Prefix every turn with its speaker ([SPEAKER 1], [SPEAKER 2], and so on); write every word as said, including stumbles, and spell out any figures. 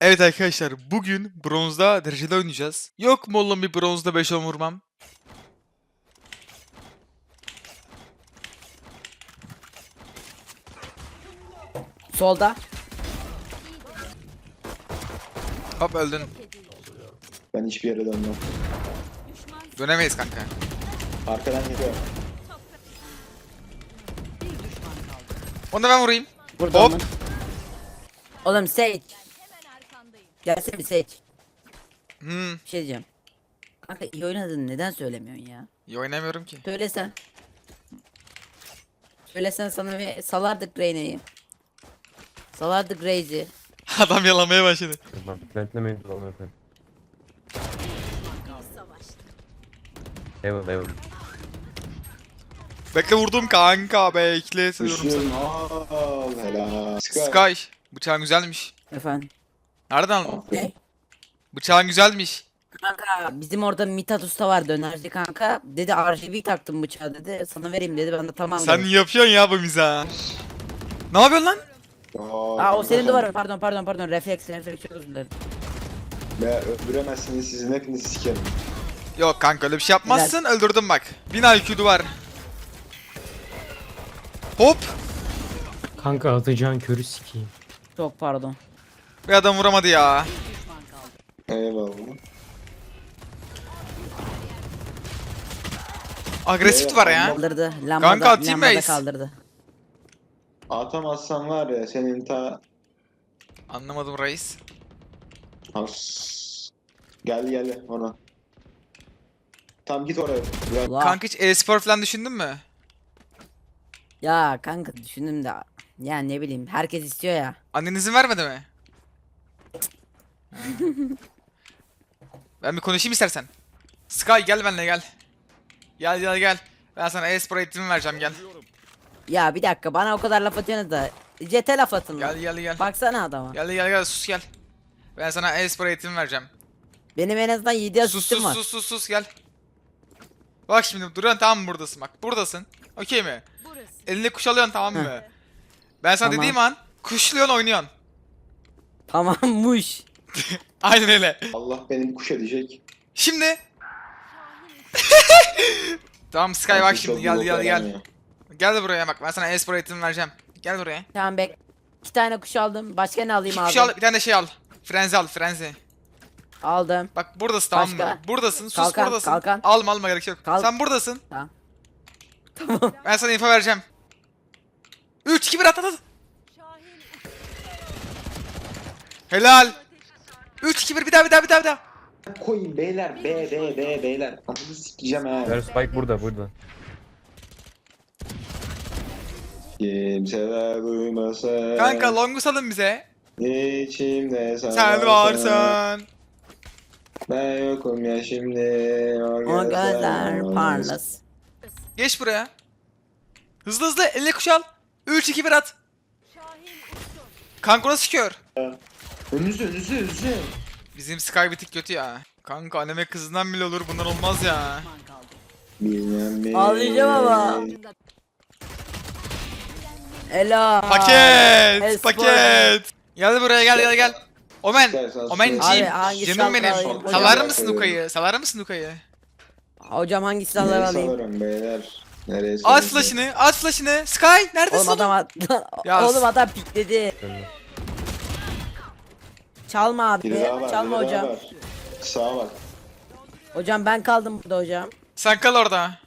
[SPEAKER 1] Evet arkadaşlar, bugün bronzda dereceli oynayacağız. Yok mu oğlum bir bronzda beş on vurmam?
[SPEAKER 2] Solda.
[SPEAKER 1] Hop öldün.
[SPEAKER 3] Ben hiçbir yere dönmem.
[SPEAKER 1] Dönemeyiz kanka.
[SPEAKER 3] Arkadan geliyor.
[SPEAKER 1] Onu da ben vurayım.
[SPEAKER 2] Burada
[SPEAKER 1] Hop.
[SPEAKER 2] Hop. Oğlum Sage. Gelsene bir Sage.
[SPEAKER 1] Hmm.
[SPEAKER 2] Bir şey diyeceğim. Kanka iyi oynadın, neden söylemiyorsun ya?
[SPEAKER 1] İyi oynamıyorum ki.
[SPEAKER 2] Söylesen. Söylesen sana bir salardık Reyna'yı. Salardık Raze'i.
[SPEAKER 1] Adam yalamaya başladı.
[SPEAKER 4] Bak plantlemeyin dolanı efendim. Eyvallah eyvallah.
[SPEAKER 1] Bekle vurdum kanka, bekle seviyorum
[SPEAKER 3] Düşüyorum.
[SPEAKER 1] seni.
[SPEAKER 3] Al helal.
[SPEAKER 1] Sky. Bıçağın güzelmiş.
[SPEAKER 2] Efendim.
[SPEAKER 1] Nereden aldın?
[SPEAKER 2] Ne?
[SPEAKER 1] Bıçağın güzelmiş.
[SPEAKER 2] Kanka bizim orada Mithat Usta var, dönerci kanka. Dedi R G B taktım bıçağı dedi. Sana vereyim dedi. Ben de tamam
[SPEAKER 1] Sen
[SPEAKER 2] dedim.
[SPEAKER 1] yapıyorsun ya bu mizahı. Ne yapıyorsun lan?
[SPEAKER 2] Aa o senin duvarın. Pardon pardon pardon. Refleks refleks, çok özür dilerim.
[SPEAKER 3] Ve öldüremezsiniz, sizin hepinizi sikerim.
[SPEAKER 1] Yok kanka, öyle bir şey yapmazsın, öldürdüm bak. bin I Q'du var. Hop.
[SPEAKER 4] Kanka atacağın körü sikeyim.
[SPEAKER 2] Çok pardon.
[SPEAKER 1] Bir adam vuramadı ya.
[SPEAKER 3] Eyvallah.
[SPEAKER 1] Agresif var ya.
[SPEAKER 2] Kaldırdı. Lambada,
[SPEAKER 1] Kanka, atayım
[SPEAKER 2] lambada
[SPEAKER 1] base.
[SPEAKER 2] kaldırdı.
[SPEAKER 3] Atamazsan var ya senin ta...
[SPEAKER 1] Anlamadım reis.
[SPEAKER 3] As. Gel gel ona. Tam git oraya. Bırak.
[SPEAKER 2] Allah.
[SPEAKER 1] Kanka hiç e-spor falan düşündün mü?
[SPEAKER 2] Ya kanka düşündüm de. Ya ne bileyim, herkes istiyor ya.
[SPEAKER 1] Annen izin vermedi mi? Ha. Ben bir konuşayım istersen. Sky gel benimle gel. Gel gel gel. Ben sana e-spor eğitimi vereceğim, gel.
[SPEAKER 2] Ya bir dakika, bana o kadar laf atıyorsunuz da. Jet'e laf atın lan.
[SPEAKER 1] Gel gel gel.
[SPEAKER 2] Baksana adama.
[SPEAKER 1] Gel gel gel, sus gel. Ben sana e-spor eğitimi vereceğim.
[SPEAKER 2] Benim en azından yedi
[SPEAKER 1] Sus
[SPEAKER 2] asistim
[SPEAKER 1] sus
[SPEAKER 2] var.
[SPEAKER 1] sus sus sus gel. Bak şimdi duruyorsun, tamam mı, buradasın bak. Buradasın. Okey mi? Elini kuşalıyorsun, tamam mı? Ben sana
[SPEAKER 2] Tamam.
[SPEAKER 1] dediğim an kuşluyorsun, oynuyorsun.
[SPEAKER 2] Tamammış.
[SPEAKER 1] Aynen öyle.
[SPEAKER 3] Allah beni bir kuş edecek.
[SPEAKER 1] Şimdi. Tamam Sky, bak
[SPEAKER 3] Artık
[SPEAKER 1] şimdi
[SPEAKER 3] çok
[SPEAKER 1] gel
[SPEAKER 3] yok
[SPEAKER 1] gel gel.
[SPEAKER 3] aramıyor.
[SPEAKER 1] Gel buraya bak, ben sana e-spor eğitimi vereceğim. Gel buraya.
[SPEAKER 2] Tamam bek. İki tane kuş aldım. Başka ne alayım
[SPEAKER 1] İki
[SPEAKER 2] abi?
[SPEAKER 1] kuş al, bir tane de şey al. Frenzi al, frenzi.
[SPEAKER 2] Aldım.
[SPEAKER 1] Bak buradasın, tamam mı?
[SPEAKER 2] Başka?
[SPEAKER 1] Buradasın, sus
[SPEAKER 2] Kalkan,
[SPEAKER 1] buradasın.
[SPEAKER 2] kalkan.
[SPEAKER 1] Alma alma, gerek yok.
[SPEAKER 2] Kalk.
[SPEAKER 1] Sen buradasın.
[SPEAKER 2] Tamam. Tamam.
[SPEAKER 1] Ben sana info vereceğim. üç iki bir at at at. Helal. üç iki bir, bir daha bir daha bir daha bir daha.
[SPEAKER 3] Koyun beyler, be be be beyler. Ananı sikeceğim ha.
[SPEAKER 4] Ver Spike burada burada.
[SPEAKER 3] Kimseler duymasın.
[SPEAKER 1] Kanka longu salın bize.
[SPEAKER 3] İçimde sen,
[SPEAKER 1] Sen varsın.
[SPEAKER 3] Ben yokum ya şimdi.
[SPEAKER 2] O gözler parlas.
[SPEAKER 1] Geç buraya. Hızlı hızlı eline kuş al. üç iki bir at. Kanka nasıl kör?
[SPEAKER 3] Önünüzü önünüzü önünüzü.
[SPEAKER 1] Bizim Sky bir tık kötü ya. Kanka anneme kızından bile olur, bunlar olmaz ya.
[SPEAKER 3] Bilmem mi?
[SPEAKER 2] Ağlayacağım ama. Ela.
[SPEAKER 1] Paket,
[SPEAKER 2] Espor.
[SPEAKER 1] paket. Gel buraya, gel gel gel. Omen,
[SPEAKER 3] İstersen
[SPEAKER 1] Omenciğim,
[SPEAKER 2] Abi, hangi
[SPEAKER 1] canım
[SPEAKER 2] şarkı
[SPEAKER 1] benim.
[SPEAKER 2] alayım?
[SPEAKER 1] Salar
[SPEAKER 3] Hocam.
[SPEAKER 1] mısın Luka'yı? Salar mısın Luka'yı?
[SPEAKER 2] Hocam hangi
[SPEAKER 3] Nereye
[SPEAKER 2] silahları alayım?
[SPEAKER 3] salarım beyler? Nereye
[SPEAKER 1] At
[SPEAKER 3] salarım?
[SPEAKER 1] flash'ını, at flash'ını. Sky neredesin
[SPEAKER 2] Oğlum adam
[SPEAKER 1] oğlum?
[SPEAKER 2] at-
[SPEAKER 1] Ya
[SPEAKER 2] Oğlum
[SPEAKER 1] s-
[SPEAKER 2] adam pikledi. Çalma abi.
[SPEAKER 3] Biri daha var,
[SPEAKER 2] Çalma
[SPEAKER 3] biri daha
[SPEAKER 2] hocam.
[SPEAKER 3] var. Sağa bak.
[SPEAKER 2] Hocam ben kaldım burada hocam.
[SPEAKER 1] Sen kal orada.